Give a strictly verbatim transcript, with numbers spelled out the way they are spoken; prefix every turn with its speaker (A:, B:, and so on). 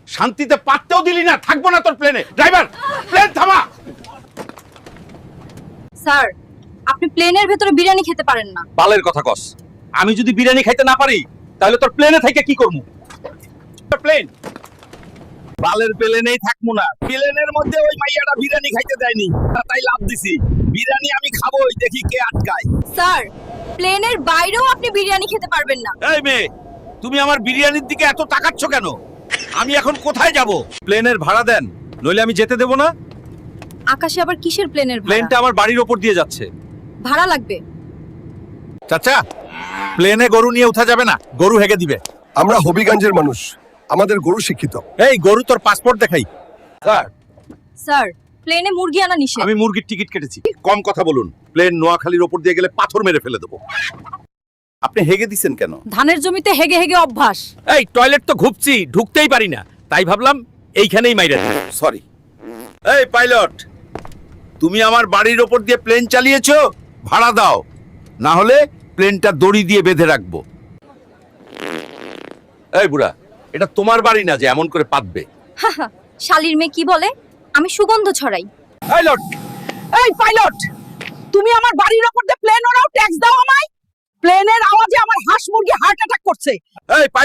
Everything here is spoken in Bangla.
A: শান্তিতে পাততেও দিলি না, থাকবো না তোর প্লেনে। ড্রাইভার, প্লেন থামা।
B: স্যার, আপনি প্লেনের ভেতরে বিরিয়ানি খেতে পারেন না।
A: বালের কথা কস। আমি যদি বিরিয়ানি খাইতে না পারি তাহলে তোর প্লেনে থেকে কি করবো? প্লেন বালের প্লেনেই থাকবো না। প্লেনের মধ্যে ওই মাইয়াটা বিরিয়ানি খাইতে দেয়নি, তাই লাভ দিছি। বিরিয়ানি আমি খাবোই, দেখি কে আটকায়।
B: স্যার, প্লেনের বাইরেও আপনি বিরিয়ানি খেতে পারবেন না।
A: এই মেয়ে, তুমি আমার বিরিয়ানির দিকে এত তাকাচ্ছ কেন? আমি এখন কোথায় যাব? প্লেনের ভাড়া দেন, নইলে আমি যেতে দেব না।
B: আকাশে আবার কিসের প্লেনের ভাড়া?
A: প্লেনটা আমার বাড়ির ওপর দিয়ে যাচ্ছে।
B: ভাড়া লাগবে।
A: চাচা, প্লেনে গরু নিয়ে উঠা যাবে না, গরু হেগে দিবে।
C: আমরা হবিগঞ্জের মানুষ, আমাদের গরু শিক্ষিত।
A: এই গরু, তোর পাসপোর্ট দেখাই। স্যার,
B: স্যার, প্লেনে মুরগি আনা নিষেধ।
A: আমি মুরগির টিকিট কেটেছি। কম কথা বলুন, প্লেন নোয়াখালীর ওপর দিয়ে গেলে পাথর মেরে ফেলে দেবো। আপনি হেগে দিছেন কেন?
B: ধানের জমিতে হেগে হেগে অভ্যাস।
A: এই টয়লেট তো ঘুপছি, ঢুকতেই পারি না, তাই ভাবলাম এইখানেই মাইরা দিই। সরি। এই পাইলট, তুমি আমার বাড়ির ওপর দিয়ে প্লেন চালিয়েছো, ভাড়া দাও, না হলে প্লেনটা দড়ি দিয়ে বেঁধে রাখবো। এই বুড়া, এটা তোমার বাড়ি না যে এমন করে পাতবে।
B: হাহা, শালির মেয়ে কি বলে? আমি সুগন্ধ ছড়াই।
A: পাইলট,
D: এই পাইলট, তুমি আমার বাড়ির ওপর দিয়ে প্লেন ওড়াও, ট্যাক্স দাও আমায়। প্লেনের আওয়াজে আমার হাঁস মুরগি হার্ট অ্যাটাক করছে।
A: এই